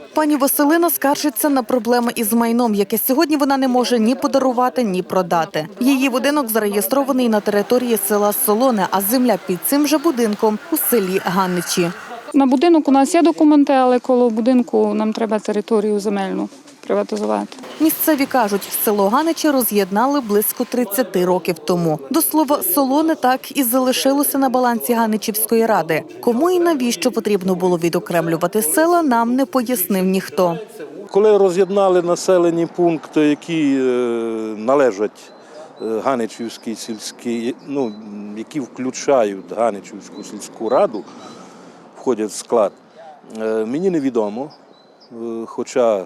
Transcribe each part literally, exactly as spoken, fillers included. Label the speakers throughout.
Speaker 1: Пані Василина скаржиться на проблеми із майном, яке сьогодні вона не може ні подарувати, ні продати. Її будинок зареєстрований на території села Солоне, а земля під цим же будинком у селі Ганичі.
Speaker 2: На будинок у нас є документи, але коло будинку нам треба територію земельну приватизувати.
Speaker 1: Місцеві кажуть, село Ганичі роз'єднали близько тридцяти років тому. До слова, Солоне так і залишилося на балансі Ганичівської ради. Кому і навіщо потрібно було відокремлювати села, нам не пояснив ніхто.
Speaker 3: Коли роз'єднали населені пункти, які е, належать е, Ганичівській сільській, ну, які включають Ганичівську сільську раду, входять в склад, е, мені невідомо. Хоча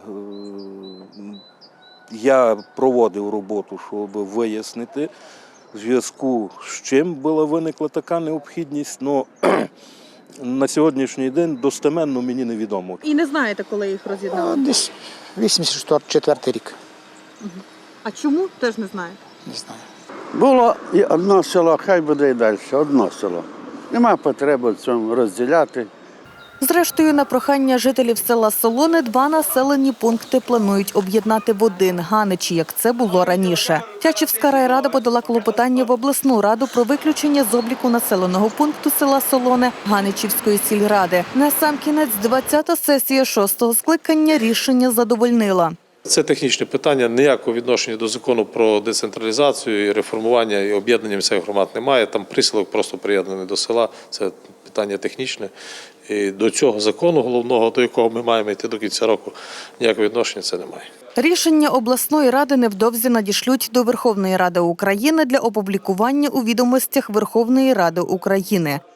Speaker 3: я проводив роботу, щоб вияснити, в зв'язку з чим була виникла така необхідність, але на сьогоднішній день достеменно мені невідомо.
Speaker 1: І не знаєте, коли їх роз'єднали?
Speaker 4: Десь вісімдесят четвертий рік.
Speaker 1: А чому? Теж не знаєте.
Speaker 4: Не знаю.
Speaker 5: Було і одне село, хай буде і далі, одне село. Нема потреби в цьому розділяти.
Speaker 1: Зрештою, на прохання жителів села Солоне два населені пункти планують об'єднати в один – Ганичі, як це було раніше. Тячівська райрада подала клопотання в обласну раду про виключення з обліку населеного пункту села Солоне Ганичівської сільради. Насамкінець двадцята сесія шостого скликання рішення задовольнила.
Speaker 6: Це технічне питання, ніякого відношення до закону про децентралізацію і реформування і об'єднання місцевих громад немає. Там присілок просто приєднаний до села, це питання технічне. І до цього закону головного, до якого ми маємо йти до кінця року, ніякого відношення це немає.
Speaker 1: Рішення обласної ради невдовзі надішлють до Верховної Ради України для опублікування у відомостях Верховної Ради України.